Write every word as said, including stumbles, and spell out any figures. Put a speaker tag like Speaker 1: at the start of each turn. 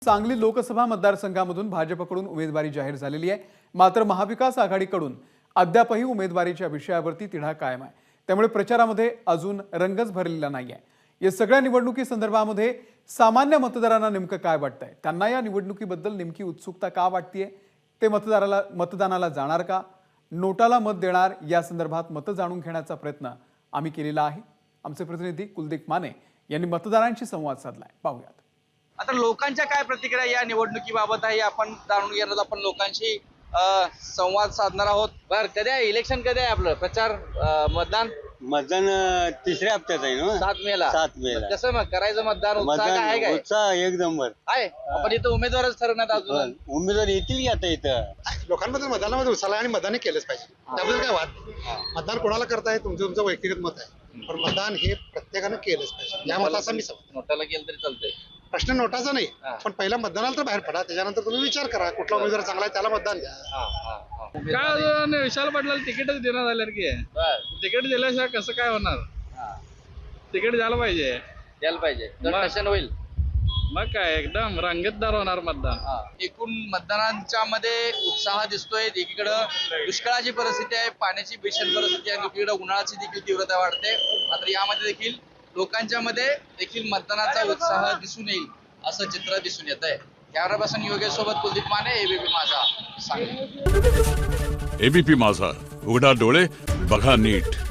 Speaker 1: सांगली लोकसभा मतदारसंघामधून भाजपकडून उमेदवारी जाहीर झालेली आहे। मात्र महाविकास आघाडीकडून अद्यापही उमेदवारीच्या विषयावरती तिढा कायम आहे। त्यामुळे प्रचारामध्ये अजून रंगच भरलेला नाहीये। या सगळ्या निवडणुकी संदर्भामध्ये सामान्य मतदारांना नेमकं काय वाटतंय, त्यांना या निवडणुकीबद्दल नेमकी उत्सुकता का वाटतेय, ते मतदाराला मतदानाला जाणार का, नोटाला मत देणार, या संदर्भात मत जाणून घेण्याचा प्रयत्न आम्ही केलेला आहे। आमचे प्रतिनिधी कुलदीप माने यांनी मतदारांशी संवाद साधलाय, पाहूयात।
Speaker 2: आता लोकांच्या काय प्रतिक्रिया या निवडणुकीबाबत आहे आपण जाणून घेणार आहोत। आपण लोकांशी संवाद साधणार आहोत। बर, कधी आहे इलेक्शन, कधी आहे आपलं प्रचार मतदान?
Speaker 3: मतदान तिसऱ्या हप्त्यात आहे ना,
Speaker 2: सात मेला
Speaker 3: सात मेला
Speaker 2: कसं मग करायचं मतदान? उत्साह काय आहे? काय
Speaker 3: उत्साह एक नंबर
Speaker 2: आहे? आपण इथं उमेदवारच ठरवण्यात अजून
Speaker 3: उमेदवार येतील की आता इथं
Speaker 4: लोकांबद्दल मतदानामध्ये उत्साह आणि मतदान केलंच पाहिजे, त्याबद्दल काय वाद। मतदान कोणाला करताय तुमचं तुमचं व्यक्तिगत मत आहे, पण मतदान हे प्रत्येकानं केलंच पाहिजे। या मताचा मी समज
Speaker 2: नोटाला केलं तरी चालतंय,
Speaker 4: प्रश्न नोटाचा नाही, पण पहिला मतदानाला तर बाहेर पडा, त्याच्यानंतर तुम्ही विचार करा कुठला उमेदवार चांगला आहे त्याला मतदान द्या।
Speaker 5: काय विशाल पाटलाला तिकीटच देण्यात आलं की तिकीट दिल्याशिवाय कसं काय होणार? तिकीट द्यायला पाहिजे,
Speaker 2: द्यायला पाहिजे, दर्शन होईल।
Speaker 5: मग काय एकदम रंगतदार होणार मतदान।
Speaker 2: एकूण मतदानांच्या मध्ये उत्साह दिसतोय। एकीकडे दुष्काळाची परिस्थिती आहे, पाण्याची भीषण परिस्थिती आहे, दुसरीकडे उन्हाळ्याची देखील तीव्रता वाढते। मात्र यामध्ये देखील लोकांच्या मध्ये देखील मतदानाचा उत्साह दिसून येईल असं चित्र दिसून येत आहे। कॅमेरापर्सन योगेश सोबत कुलदीप माने, एबीपी माझा, सांगली।
Speaker 6: एबीपी माझा, उघडा डोळे बघा नीट।